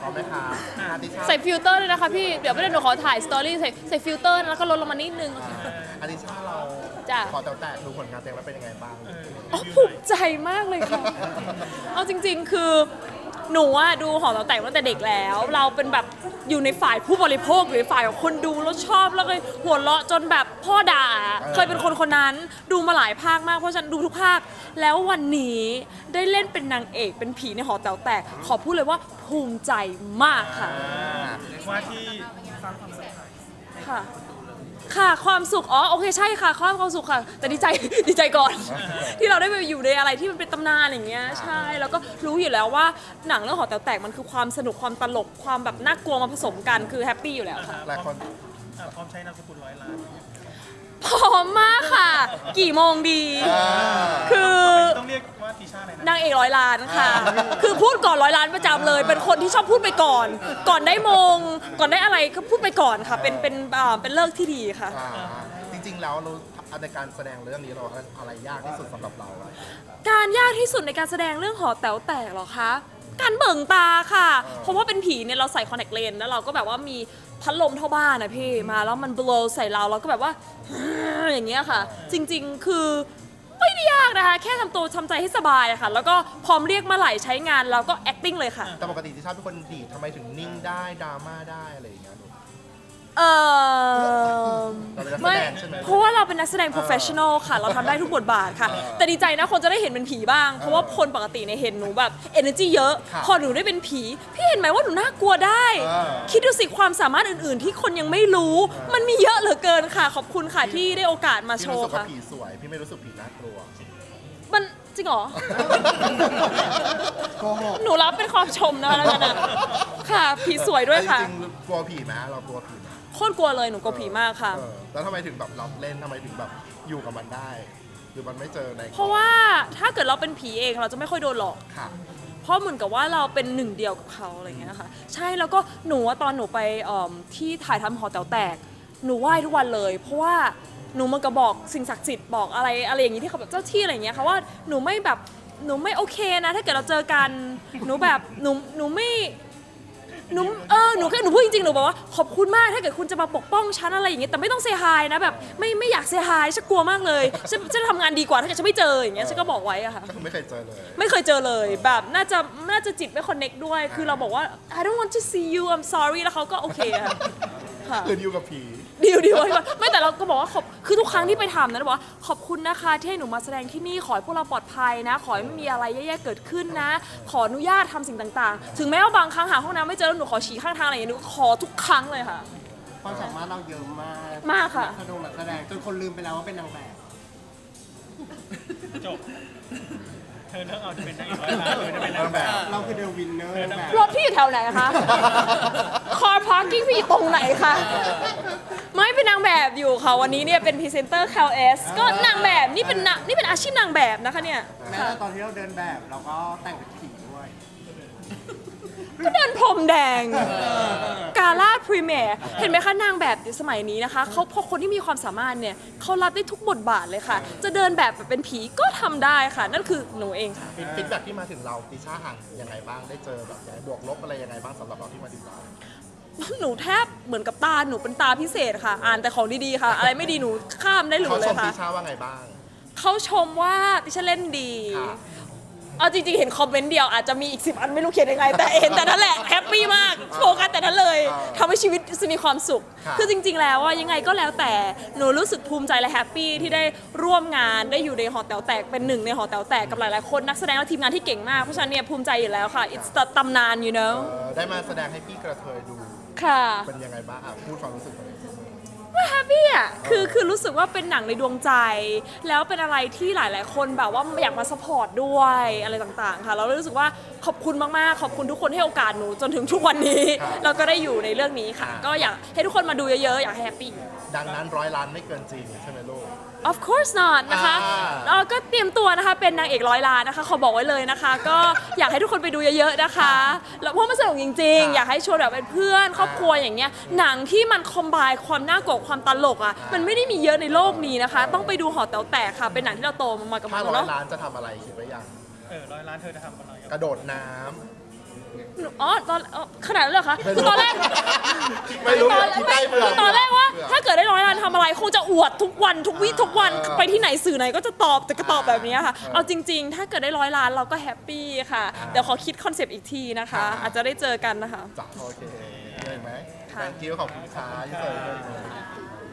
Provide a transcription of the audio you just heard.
เอาไหมคะติชาใส่ฟิลเตอร์เลยนะคะพี่เดี๋ยวไม่ได้หนูขอถ่ายสตอรี่ใส่ฟิลเตอร์แล้วก็ลดลงมานิดนึงติชาเราจ้ะขอแต่ดูผลงานเต็มแล้วเป็นยังไงบ้างอ๋อภูมิใจมากเลยค่ะ เอาจริงๆ คือหนูอะดูหอเราแต่งตั้งแต่เด็กแล้ว เราเป็นแบบอยู่ในฝ่ายผู้บริโภคหรือฝ่ายของคนดูแล้วชอบแล้วก็หัวเราะจนแบบพ่อด่า เคยเป็นคนคนนั้นดูมาหลายภาคมากเพราะฉันดูทุกภาค แล้ววันนี้ได้เล่นเป็นนางเอกเป็นผีในหอแต๋วแตก ขอพูดเลยว่าภูมิใจมากค่ะว่าที่สร้างความสนใจค่ะค่ะความสุขอ๋อโอเคใช่ค่ะความสุขค่ะแต่ดีใจ ดีใจก่อน ที่เราได้ไปอยู่ในอะไรที่มันเป็นตำนานอย่างเงี้ยใช่แล้วก็รู้อยู่แล้วว่าหนังเรื่องหอแต๋วแตกมันคือความสนุกความตลกความแบบน่ากลัวมาผสมกันคือแฮปปี้อยู่แล้วค่ะหลายคนพร้อมใช้นามสกุล100 ล้านพร้อมมากค่ะ กี่โมงดี คือต้องเรียกว่าติชาอะไรนะนางเอกร้อยล้านค่ะ คือพูดก่อนร้อยล้านประจำเลย เป็นคนที่ชอบพูดไปก่อน ก่อนได้มงก่อนได้อะไรก็พูดไปก่อนค่ะ เป็นเลิกที่ดีค่ะจริงๆแล้วเราในการแสดงเรื่องนี้เราอะไรยากที่สุดสำหรับเราอะการยากที่สุดในการแสดงเรื่องหอแต๋วแตกเหรอคะ การเบิ่งตาค่ะ เพราะว่าเป็นผีเนี่ยเราใส่คอนแทคเลนส์แล้วเราก็แบบว่ามีพัดลมเท่าบ้านนะพี่มาแล้วมัน blow ใส่เราก็แบบว่า อย่างเงี้ยค่ะ จริงๆคือไม่ได้ยากนะคะ แค่ทำตัวทำใจให้สบายอะค่ะ แล้วก็พร้อมเรียกมาไหลใช้งานเราก็ acting เลยค่ะแต่ปกติติชาเป็นคนดีดทำไมถึงนิ่งได้ดราม่าได้อะไรอย่างเงี้ยลูกเออเราเป็นนักแสไม่ดงใช่ไหมเพราะว่าเราเป็นนักแสดง professional ค่ะ เราทำได้ทุกบทบาทค่ะ แต่ดีใจนะคนจะได้เห็นเป็นผีบ้าง เพราะว่าคนปกติเนี่ยเห็นหนูแบบ energy เยอะ พอหนูได้เป็นผี พี่เห็นไหมว่าหนูน่ากลัวได้ คิดดูสิความสามารถอื่นๆ ที่คนยังไม่รู้ มันมีเยอะเหลือเกินค่ะ ขอบคุณค่ะที่ได้โอกาสมาโชพี่รู้ว์สึกว่าค่ะผีสวย พี่ไม่รู้สึกผีน่ากลัวมันจริงเหรอโกหกหนูรับเป็นความชมนะแล้วกันนะค่ะ ผีสวยด้วยค่ะจริงๆกลัวผีไหมเรากลัวผีไหมโคตรกลัวเลยหนูกลัวผีมากค่ะแล้วทำไมถึงแบบรับเล่นทำไมถึงแบบอยู่กับมันได้หรือมันไม่เจอในเพราะว่าถ้าเกิดเราเป็นผีเองเราจะไม่ค่อยโดนหลอกค่ะเพราะเหมือนกับว่าเราเป็นหนึ่งเดียวกับเขาอะไรเงี้ยค่ะใช่แล้วก็หนูว่าตอนหนูไปที่ถ่ายทำหอแต๋วแตกหนูไหว้ทุกวันเลย เพราะว่าหนูมันก็บอกสิ่งศักดิ์สิทธิ์บอกอะไรอย่างงี้ที่เขาแบบเจ้าที่อะไรเงี้ยค่ะว่าหนูไม่โอเคนะถ้าเกิดเราเจอกันหนูแบบหนูไม่หนูแค่หนูพูดจริงๆหนูบอกว่าขอบคุณมากถ้าเกิดคุณจะมาปกป้องฉันอะไรอย่างเงี้ยแต่ไม่ต้องเซฮายนะแบบไม่อยากเซฮายฉันกลัวมากเลยฉันจะทำงานดีกว่าถ้าเกิดฉันไม่เจออย่างเงี้ยฉันก็บอกไว้อะค่ะก็คือไม่เคยเจอเลยไม่เคยเจอเลยแบบน่าจะจิตไม่คอนเน็กด้วย คือเราบอกว่า I don't want to see you I'm sorry แล้วเขาก็โอเคค่ะค่ะคืออยู่กับผีดีไว้ก่อนไม่แต่เราก็บอกว่าคือทุกครั้งที่ไปทำนะบอกว่าขอบคุณนะคะที่ให้หนูมาแสดงที่นี่ขอให้พวกเราปลอดภัยนะ ขอให้ไม่มีอะไรแย่ๆเกิดขึ้นนะ ขออนุญาตทำสิ่งต่างๆ ถึงแม้ว่าบางครั้งหาห้องน้ำไม่เจอแล้วหนูขอฉี่ข้างทางอะไรอย่างเงี้ยหนูขอทุกครั้งเลยค่ะความสามารถเราเยอะมากมากค่ะนักแสดงจนคนลืมไปแล้วว่าเป็นนางแบบจบ เธอเลือกเอาจะเป็นนางเอก100 ล้านเธอจะเป็นนางแบบเราคือเดอะวินเนอร์แบบรถพี่อยู่แถวไหนคะ คอร์พาร์กิ้งพี่อยู่ตรงไหนคะ ไม่เป็นนางแบบอยู่ค่ะ วันนี้เนี่ยเป็นพรีเซนเตอร์ KLS ก็นางแบบนี่เป็นอาชีพนางแบบนะคะเนี่ยแม้ค่ะแต่ตอนที่เราเดินแบบเราก็แต่งเป็นผีด้วยก็เดินพรมแดง กาล่าพรีเมียร์เห็นไหมคะนางแบบสมัยนี้นะคะเขาพอคนที่มีความสามารถเนี่ยเขารับได้ทุกบทบาทเลยค่ะ จะเดินแบบเป็นผีก็ทำได้ค่ะ นั่นคือหนูเองค่ะฟีดแบ็กที่มาถึงเราติชาอ่านยังไงบ้างได้เจอแบบบวกลบอะไรยังไงบ้างสำหรับเราที่มาถึงเราหนูแทบเหมือนกับตาหนูเป็นตาพิเศษค่ะ อ่านแต่ของดีๆค่ะ อะไรไม่ดีหนูข้ามได้หนูเขาเลชยมค่ะติชาว่าไงบ้างเขาชมว่าติฉันเล่นดีค่ะเอาจริงๆ เห็นคอมเมนต์เดียวอาจจะมีอีก10 อันไม่รู้เขียนยังไง แต่เห็นแต่นั้นแหละแฮปปี้มากโฟกัสแต่นั้นเลยทำให้ชีวิตมีความสุข คือจริงๆ แล้วว่ายังไงก็แล้วแต่หนูรู้สึกภูมิใจและแฮปปี้ที่ได้ร่วมงานได้อยู่ในหอแต๋วแตกเป็นหนึ่งในหอแต๋วแตกกับหลายๆคนนักแสดงและทีมงานที่เก่งมากเพราะฉะนั้นเนี่ยภูมิใจอยู่แล้วค่ะ it's the ตำนาน you know ได้มาแสดงให้พี่กระเทยดูค่ะเป็นยังไงบ้างพูดความรู้สึกหน่อยว่าแฮปปี้อ่ะคือรู้สึกว่าเป็นหนังในดวงใจ แล้วเป็นอะไรที่หลายๆ คนแบบว่าอยากมาสปอร์ตด้วยอะไรต่างๆ ค่ะ เรารู้สึกว่าขอบคุณมากๆ ขอบคุณทุกคนที่ให้โอกาสหนูจนถึงทุกวันนี้ เราก็ได้อยู่ในเรื่องนี้ค่ะ ก็อยากให้ทุกคนมาดูเยอะๆ อยากให้แฮปปี้ดังนั้น100 ล้านไม่เกินจริงใช่ไหมลูก of course not นะคะอ่าก็เตรียมตัวนะคะเป็นนางเอก100 ล้านนะคะขอบอกไว้เลยนะคะ ก็อยากให้ทุกคนไปดูเยอะๆนะคะแล้วเพราะมันสนุกจริงๆ อยากให้ชวนแบบเป็นเพื่อนครอบครัวอย่างเงี้ยหนังที่มันคอมไบน์ความน่ากลัวความตลกอ่ะมันไม่ได้มีเยอะในโลกนี้นะคะ ต้องไปดูหอแต๋วแตกค่ะเป็นหนังที่เราโตมากับมันเนาะ 500 ล้านจะทำอะไรคิดไว้ยัง 100 ล้านเธอจะทำอะไรกระโดดน้อ๋อตอนขนาดนั้นเลยเหรอคะคือตอนแรกไม่รู้คิดได้เปล่าตอนแรกว่าถ้าเกิดได้100 ล้านทำอะไรคงจะอวดทุกวันทุกวี่ทุกวันไปที่ไหนสื่อไหนก็จะตอบแต่ก็ตอบแบบนี้ค่ะเอาจริง ๆ ถ้าเกิดได้100 ล้านเราก็แฮปปี้ค่ะเดี๋ยวขอคิดคอนเซปต์อีกทีนะคะ อาจจะได้เจอกันนะคะจ้ะโอเคเลยไหมค่ะ thank you ขอบคุณค่ะที่เจอ